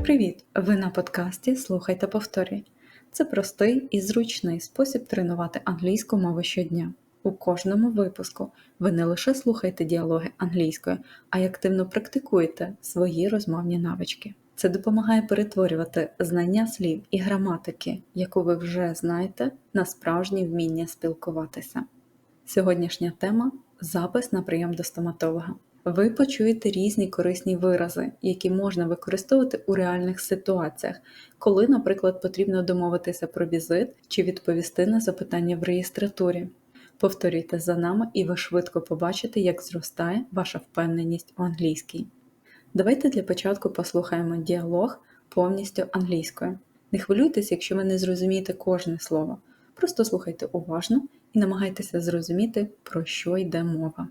Привіт! Ви на подкасті «Слухай та повторюй». Це простий і зручний спосіб тренувати англійську мову щодня. У кожному випуску ви не лише слухаєте діалоги англійською, а й активно практикуєте свої розмовні навички. Це допомагає перетворювати знання слів і граматики, яку ви вже знаєте, на справжнє вміння спілкуватися. Сьогоднішня тема – запис на прийом до стоматолога. Ви почуєте різні корисні вирази, які можна використовувати у реальних ситуаціях, коли, наприклад, потрібно домовитися про візит чи відповісти на запитання в реєстратурі. Повторюйте за нами і ви швидко побачите, як зростає ваша впевненість у англійській. Давайте для початку послухаємо діалог повністю англійською. Не хвилюйтесь, якщо ви не зрозумієте кожне слово. Просто слухайте уважно і намагайтеся зрозуміти, про що йде мова.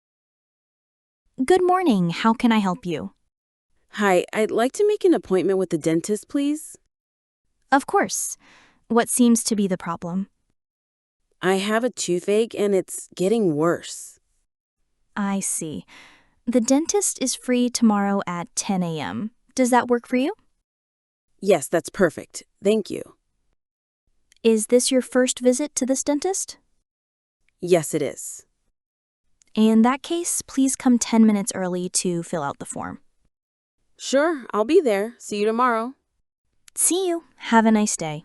Good morning. How can I help you? Hi, I'd like to make an appointment with the dentist, please. Of course. What seems to be the problem? I have a toothache and it's getting worse. I see. The dentist is free tomorrow at 10 a.m. Does that work for you? Yes, that's perfect. Thank you. Is this your first visit to this dentist? Yes, it is. In that case, please come 10 minutes early to fill out the form. Sure, I'll be there. See you tomorrow. See you. Have a nice day.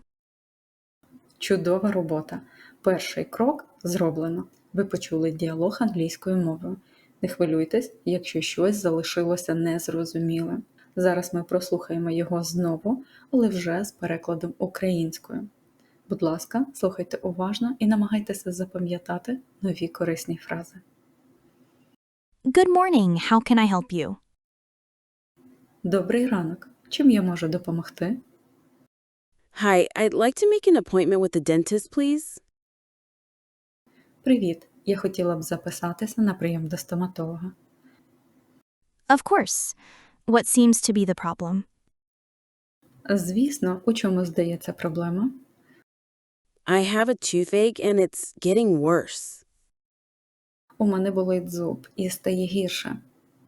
Чудова робота. Перший крок зроблено. Ви почули діалог англійською мовою. Не хвилюйтесь, якщо щось залишилося незрозумілим. Зараз ми прослухаємо його знову, але вже з перекладом українською. Будь ласка, слухайте уважно і намагайтеся запам'ятати нові корисні фрази. Good morning. How can I help you? Добрий ранок. Чим я можу допомогти? Hi, I'd like to make an appointment with the dentist, please. Привіт. Я хотіла б записатися на прийом до стоматолога. Of course. What seems to be the problem? Звісно, у чому здається проблема? I have a toothache and it's getting worse. У мене болить зуб і стає гірше.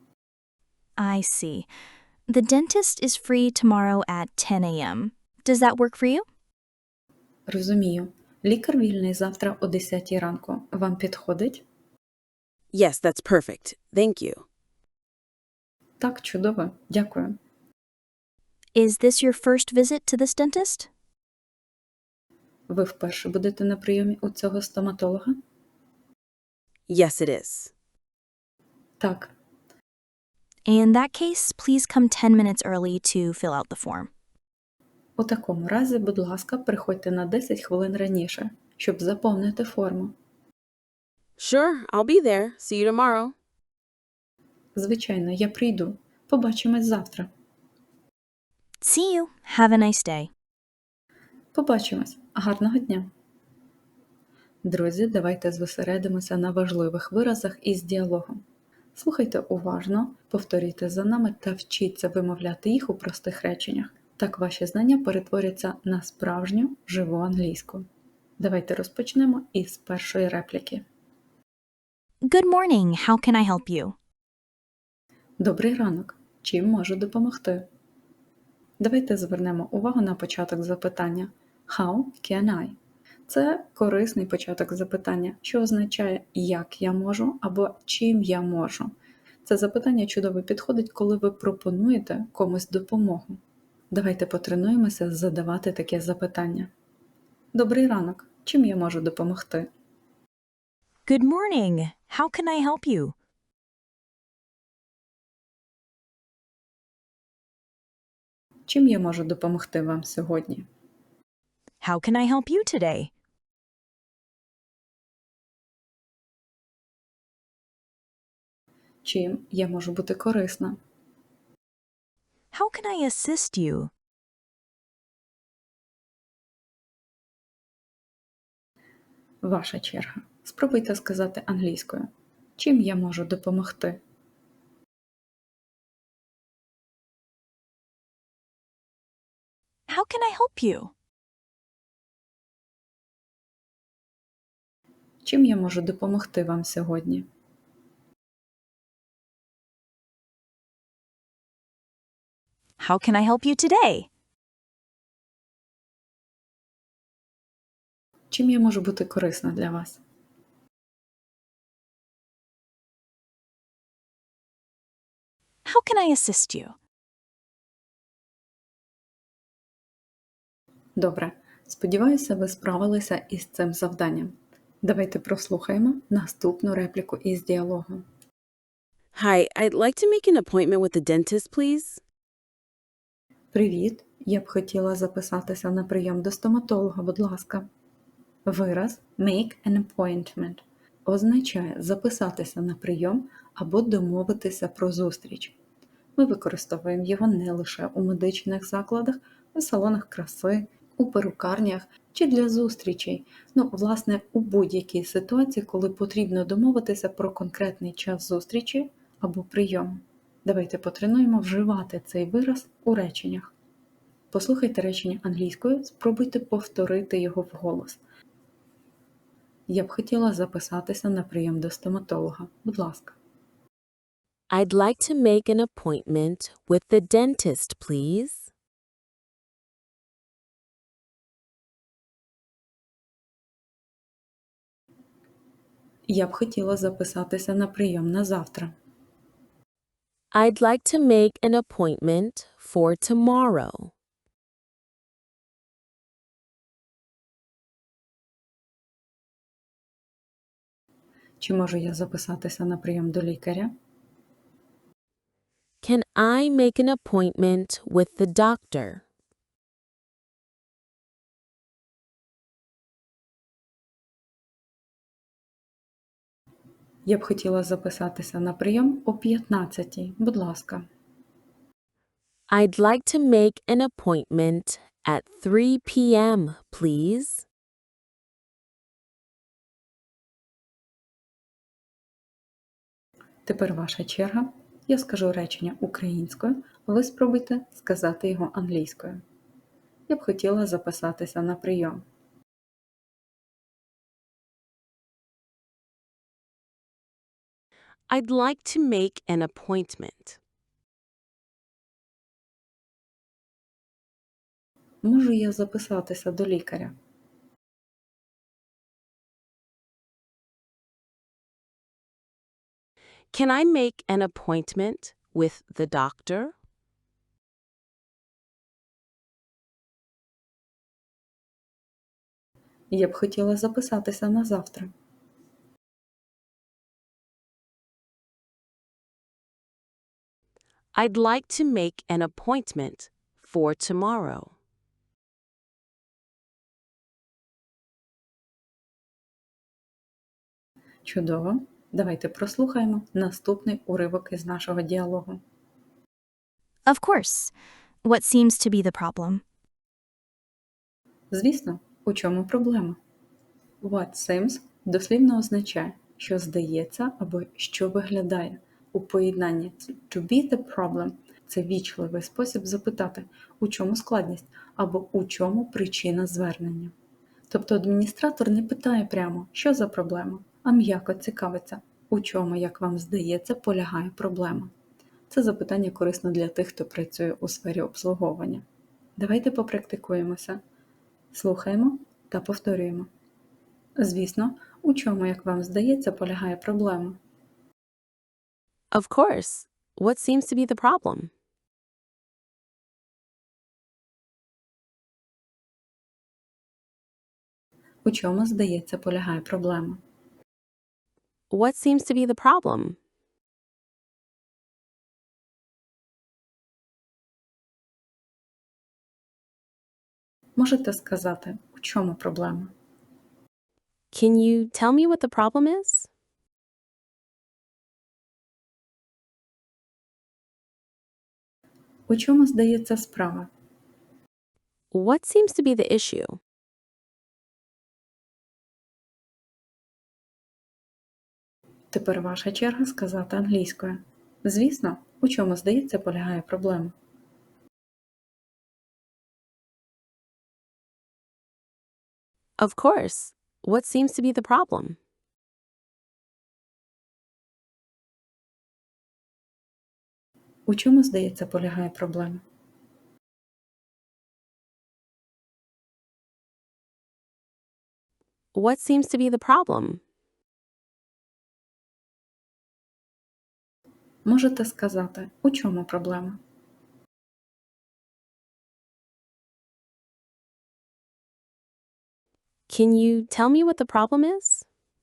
I see. The dentist is free tomorrow at 10 a.m. Does that work for you? Розумію. Лікар вільний завтра о 10 ранку. Вам підходить? Yes, that's perfect. Thank you. Так, чудово. Дякую. Is this your first visit to this dentist? Ви вперше будете на прийомі у цього стоматолога? Yes, it is. Так. In that case, please come 10 minutes early to fill out the form. У такому разі, будь ласка, приходьте на 10 хвилин раніше, щоб заповнити форму. Sure, I'll be there. See you tomorrow. Звичайно, я прийду. Побачимось завтра. See you. Have a nice day. Побачимось. Гарного дня. Друзі, давайте зосередимося на важливих виразах із діалогом. Слухайте уважно, повторюйте за нами та вчіться вимовляти їх у простих реченнях. Так ваші знання перетворяться на справжню, живу англійську. Давайте розпочнемо із першої репліки. Good morning. How can I help you? Добрий ранок. Чим можу допомогти? Давайте звернемо увагу на початок запитання. How can I? Це корисний початок запитання, що означає «як я можу» або «чим я можу». Це запитання чудово підходить, коли ви пропонуєте комусь допомогу. Давайте потренуємося задавати таке запитання. Добрий ранок. Чим я можу допомогти? Good morning. How can I help you? Чим я можу допомогти вам сьогодні? How can I help you today? Чим я можу бути корисна? How can I assist you? Ваша черга. Спробуйте сказати англійською. Чим я можу допомогти? How can I help you? Чим я можу допомогти вам сьогодні? How can I help you today? Чим я можу бути корисна для вас? How can I assist you? Добре. Сподіваюся, ви справилися із цим завданням. Давайте прослухаємо наступну репліку із діалогу. Hi, I'd like to make an appointment with the dentist, please. Привіт! Я б хотіла записатися на прийом до стоматолога, будь ласка. Вираз make an appointment означає записатися на прийом або домовитися про зустріч. Ми використовуємо його не лише у медичних закладах, у салонах краси, у перукарнях чи для зустрічей. Власне, у будь-якій ситуації, коли потрібно домовитися про конкретний час зустрічі або прийому. Давайте потренуємо вживати цей вираз у реченнях. Послухайте речення англійською, спробуйте повторити його вголос. Я б хотіла записатися на прийом до стоматолога. Будь ласка. I'd like to make an appointment with the dentist, please. Я б хотіла записатися на прийом на завтра. I'd like to make an appointment for tomorrow. Чи можу я записатися на прийом до лікаря? Can I make an appointment with the doctor? Я б хотіла записатися на прийом о 15-й. Будь ласка. I'd like to make an appointment at 3 p.m., please. Тепер ваша черга. Я скажу речення українською, а ви спробуйте сказати його англійською. Я б хотіла записатися на прийом. I'd like to make an appointment. Можу я записатися до лікаря? Can I make an appointment with the doctor? Я б хотіла записатися на завтра. I'd like to make an appointment for tomorrow. Чудово. Давайте прослухаємо наступний уривок із нашого діалогу. Of course. What seems to be the problem? Звісно, у чому проблема? What seems дослівно означає, що здається або що виглядає. У поєднанні to be the problem – це вічливий спосіб запитати, у чому складність або у чому причина звернення. Тобто адміністратор не питає прямо, що за проблема, а м'яко цікавиться, у чому, як вам здається, полягає проблема. Це запитання корисно для тих, хто працює у сфері обслуговування. Давайте попрактикуємося. Слухаємо та повторюємо. Звісно, у чому, як вам здається, полягає проблема? Of course. What seems to be the problem? У чому, здається, полягає проблема? What seems to be the problem? Можете сказати, у чому проблема? Can you tell me what the problem is? У чому, здається, справа? What seems to be the issue? Тепер ваша черга сказати англійською. Звісно, у чому, здається, полягає проблема? Of course. What seems to be the problem? У чому, здається, полягає проблема? What seems to be the problem? Можете сказати, у чому проблема? Can you tell me what the problem is?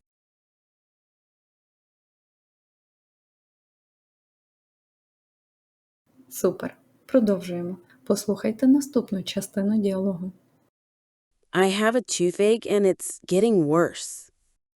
Супер. Продовжуємо. Послухайте наступну частину діалогу. I have a toothache and it's getting worse.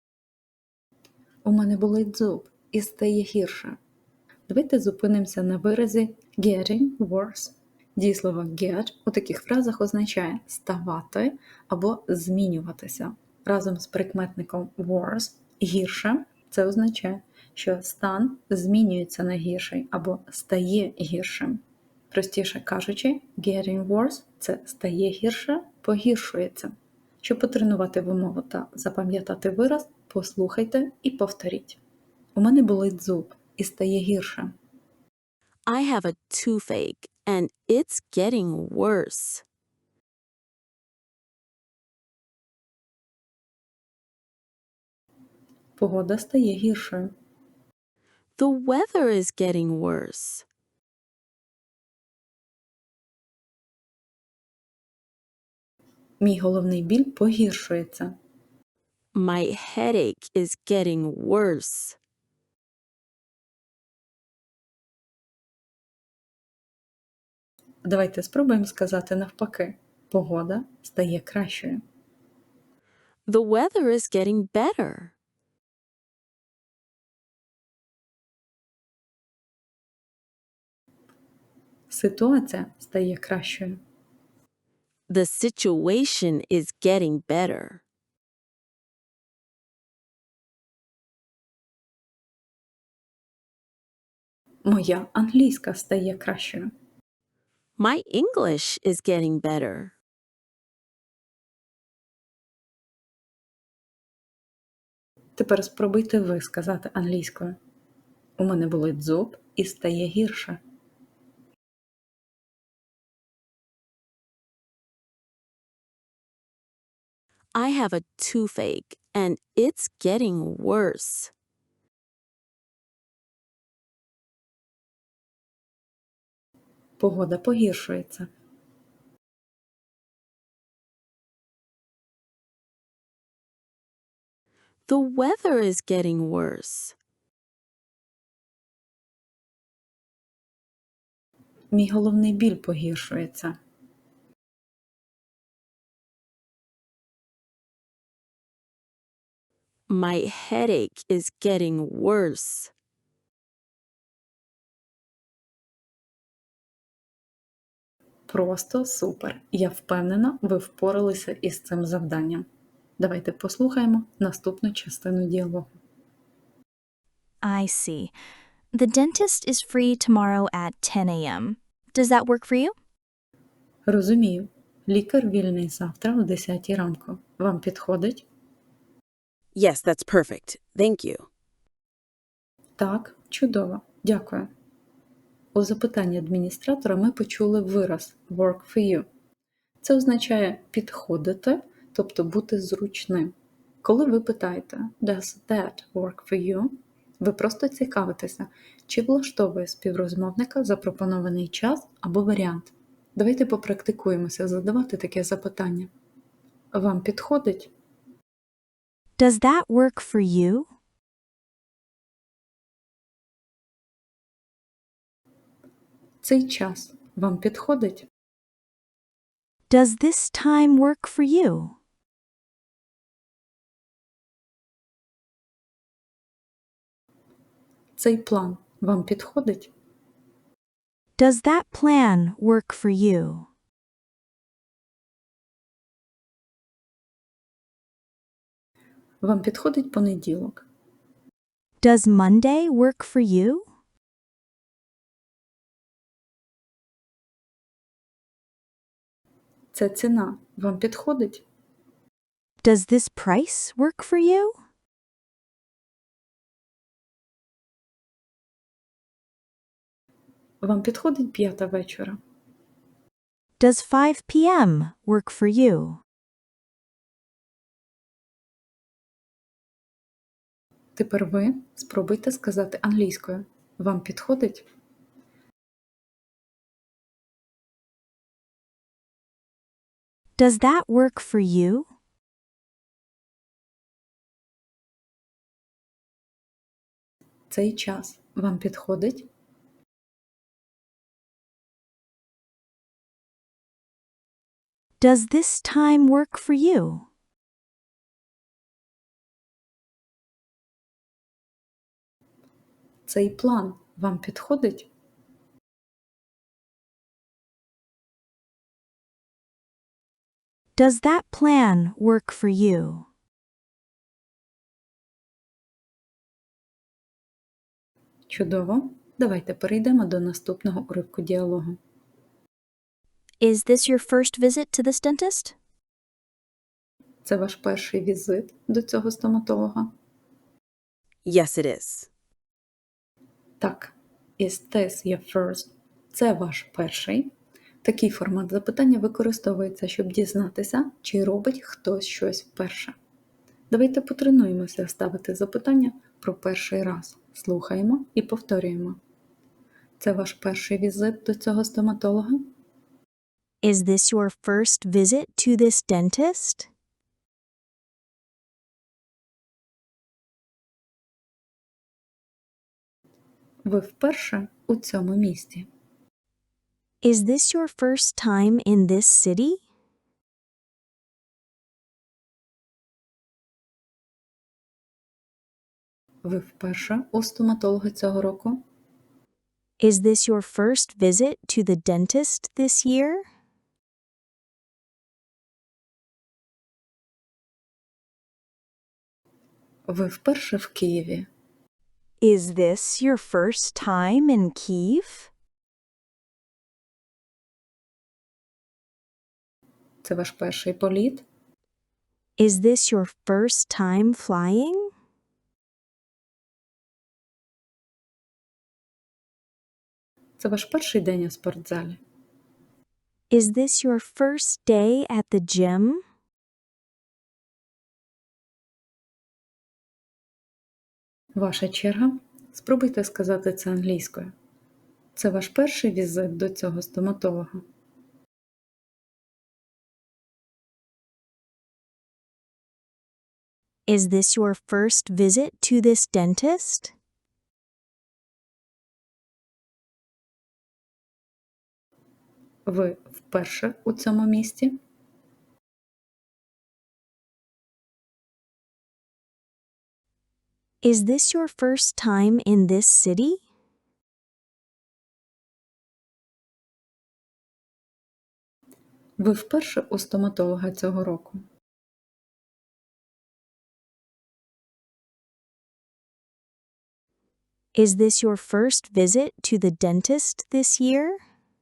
У мене болить зуб і стає гірше. Давайте зупинимося на виразі getting worse. Дієслово get у таких фразах означає ставати або змінюватися. Разом з прикметником worse гірше це означає, що стан змінюється на гірший або стає гіршим. Простіше кажучи, getting worse – це стає гірше, погіршується. Щоб потренувати вимову та запам'ятати вираз, послухайте і повторіть. У мене болить зуб і стає гірше. I have a toothache and it's getting worse. Погода стає гіршою. The weather is getting worse. Мій головний біль погіршується. My headache is getting worse. Давайте спробуємо сказати навпаки. Погода стає кращою. The weather is getting better. Ситуація стає кращою. The situation is getting better. Моя англійська стає кращою. My English is getting better. Тепер спробуйте ви сказати англійською. У мене болить зуб і стає гірше. I have a toothache and it's getting worse. Погода погіршується. The weather is getting worse. Мій головний біль погіршується. My headache is getting worse. Просто супер! Я впевнена, ви впоралися із цим завданням. Давайте послухаємо наступну частину діалогу. I see. The dentist is free tomorrow at 10 a.m. Does that work for you? Розумію. Лікар вільний завтра о 10 ранку. Вам підходить? Yes, that's perfect. Thank you. Так, чудово. Дякую. У запитанні адміністратора ми почули вираз work for you. Це означає підходити, тобто бути зручним. Коли ви питаєте Does that work for you? Ви просто цікавитеся, чи влаштовує співрозмовника запропонований час або варіант. Давайте попрактикуємося задавати таке запитання. Вам підходить? Does that work for you? Цей час вам підходить? Does this time work for you? Цей план вам підходить? Does that plan work for you? Вам підходить понеділок? Does Monday work for you? Ця ціна вам підходить? Does this price work for you? Вам підходить 5 вечора? Does 5 p.m. work for you? Тепер ви спробуйте сказати англійською. Вам підходить? Does that work for you? Цей час вам підходить? Does this time work for you? Цей план вам підходить? Does that plan work for you? Чудово! Давайте перейдемо до наступного уривку діалогу. Is this your first visit to this dentist? Це ваш перший візит до цього стоматолога? Yes, it is. Так. Is this your first? Це ваш перший. Такий формат запитання використовується, щоб дізнатися, чи робить хтось щось вперше. Давайте потренуємося ставити запитання про перший раз. Слухаємо і повторюємо. Це ваш перший візит до цього стоматолога? Is this your first visit to this dentist? Ви вперше у цьому місті? Is this your first time in this city? Ви вперше у стоматолога цього року? Is this your first visit to the dentist this year? Ви вперше в Києві? Is this your first time in Kyiv? Це ваш перший політ? Is this your first time flying? Це ваш перший день у спортзалі? Is this your first day at the gym? Ваша черга. Спробуйте сказати це англійською. Це ваш перший візит до цього стоматолога? Is this your first visit to this dentist? Ви вперше у цьому місті? Is this your first time in this city? Ви вперше у стоматолога цього року? Is this your first visit to the dentist this year?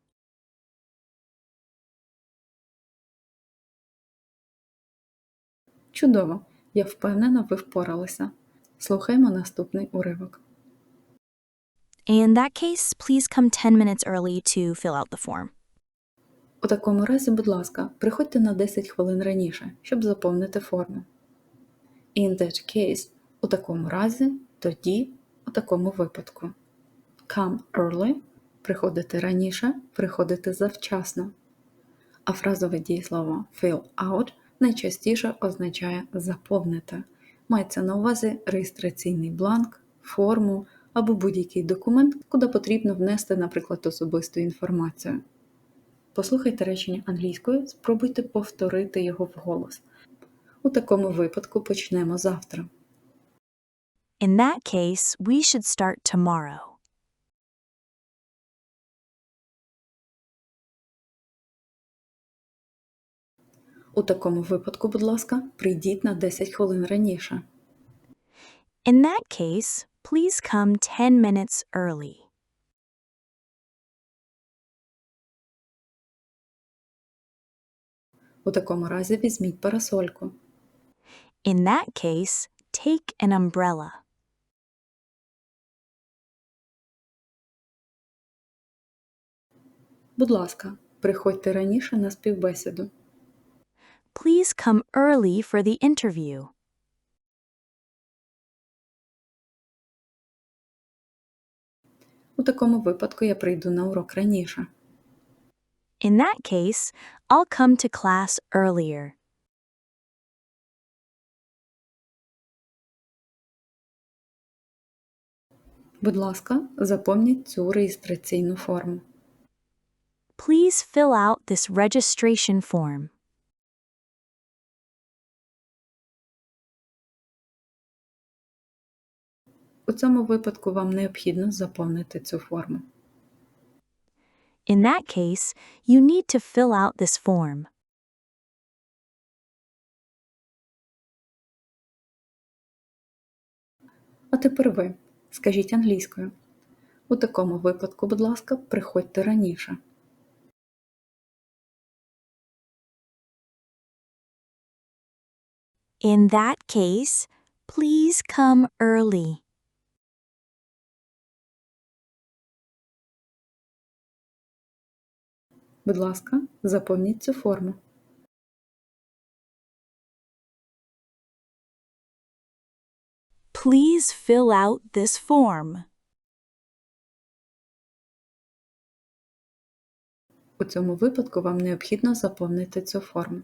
Чудово! Я впевнена, ви впоралися. Слухаємо наступний уривок. In that case, please come 10 minutes early to fill out the form. У такому разі, будь ласка, приходьте на 10 хвилин раніше, щоб заповнити форму. In that case – у такому разі, тоді, у такому випадку. Come early – приходити раніше, приходити завчасно. А фразове дієслово fill out найчастіше означає заповнити. Мається на увазі реєстраційний бланк, форму або будь-який документ, куди потрібно внести, наприклад, особисту інформацію. Послухайте речення англійською, спробуйте повторити його вголос. У такому випадку почнемо завтра. In that case, we should start tomorrow. У такому випадку, будь ласка, прийдіть на 10 хвилин раніше. In that case, please come 10 minutes early. У такому разі візьміть парасольку. In that case, take an umbrella. Будь ласка, приходьте раніше на співбесіду. Please come early for the interview. У такому випадку я прийду на урок раніше. In that case, I'll come to class earlier. Будь ласка, заповніть цю реєстраційну форму. Please fill out this registration form. У цьому випадку вам необхідно заповнити цю форму. In that case, you need to fill out this form. А тепер ви. Скажіть англійською. У такому випадку, будь ласка, приходьте раніше. In that case, please come early. Будь ласка, заповніть цю форму. Please fill out this form. У цьому випадку вам необхідно заповнити цю форму.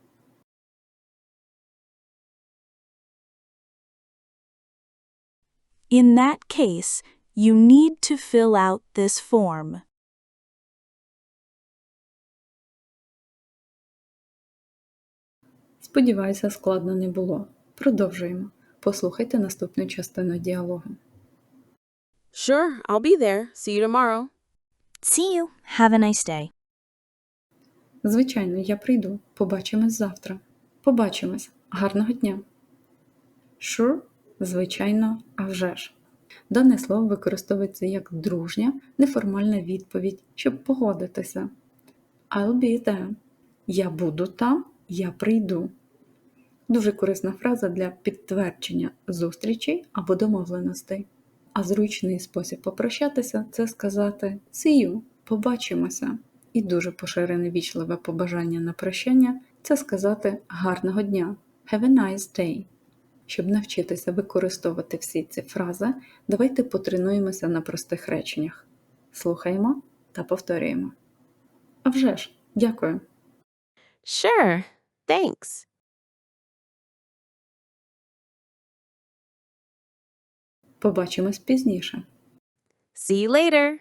In that case, you need to fill out this form. Сподіваюся, складно не було. Продовжуємо. Послухайте наступну частину діалогу. Sure, I'll be there. See you tomorrow. See you. Have a nice day. Звичайно, я прийду. Побачимось завтра. Побачимось. Гарного дня. Sure, звичайно, а вже ж. Дане слово використовується як дружня, неформальна відповідь, щоб погодитися. I'll be there. Я буду там, я прийду. Дуже корисна фраза для підтвердження зустрічей або домовленостей. А зручний спосіб попрощатися – це сказати «See you», «Побачимося». І дуже поширене вічливе побажання на прощання – це сказати «Гарного дня» «Have a nice day». Щоб навчитися використовувати всі ці фрази, давайте потренуємося на простих реченнях. Слухаємо та повторюємо. А вже ж, дякую. Sure, thanks. Побачимось пізніше. See you later.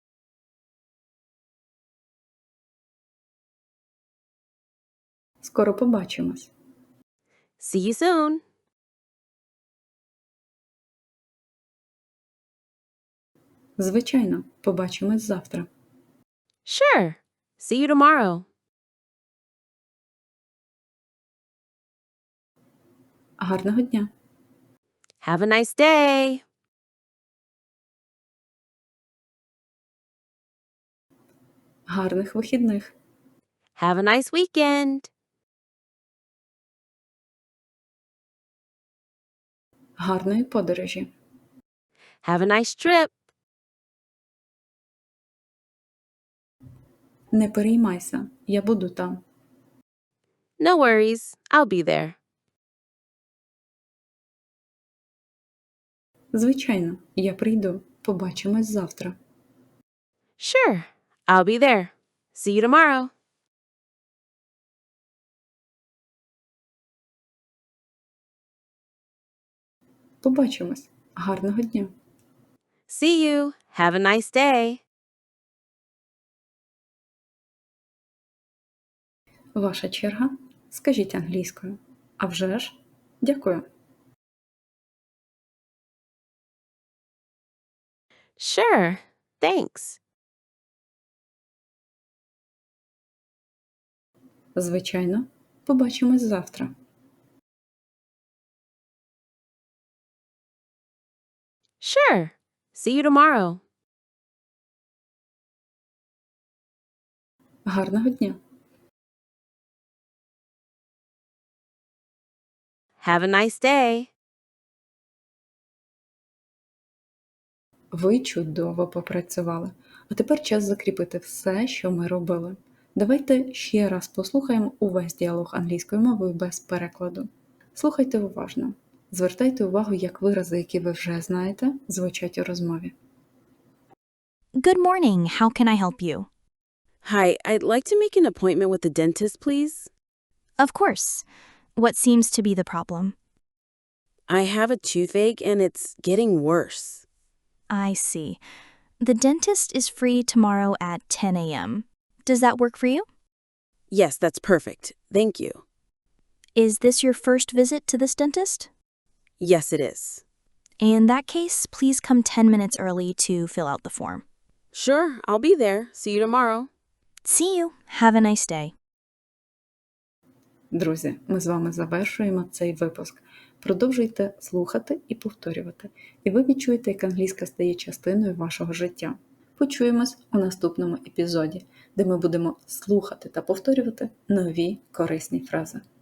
Скоро побачимось. See you soon. Звичайно, побачимось завтра. Sure. See you tomorrow. Гарного дня! Have a nice day. Гарних вихідних! Have a nice weekend. Гарної подорожі! Have a nice trip. Не переймайся, я буду там. No worries. I'll be there. Звичайно, я прийду. Побачимось завтра. Sure. I'll be there. See you tomorrow. Побачимось. Гарного дня! See you. Have a nice day. Ваша черга. Скажіть англійською. А вже ж. Дякую. Sure. Thanks. Звичайно. Побачимось завтра. Sure. See you tomorrow. Гарного дня! Have a nice day. Ви чудово попрацювали. А тепер час закріпити все, що ми робили. Давайте ще раз послухаємо увесь діалог англійською мовою без перекладу. Слухайте уважно. Звертайте увагу, як вирази, які ви вже знаєте, звучать у розмові. Good morning. How can I help you? Hi, I'd like to make an appointment with the dentist, please. Of course. What seems to be the problem? I have a toothache and it's getting worse. I see. The dentist is free tomorrow at 10 a.m. Does that work for you? Yes, that's perfect. Thank you. Is this your first visit to this dentist? Yes, it is. In that case, please come 10 minutes early to fill out the form. Sure, I'll be there. See you tomorrow. See you. Have a nice day. Друзі, ми з вами завершуємо цей випуск. Продовжуйте слухати і повторювати, і ви відчуєте, як англійська стає частиною вашого життя. Почуємось у наступному епізоді, де ми будемо слухати та повторювати нові корисні фрази.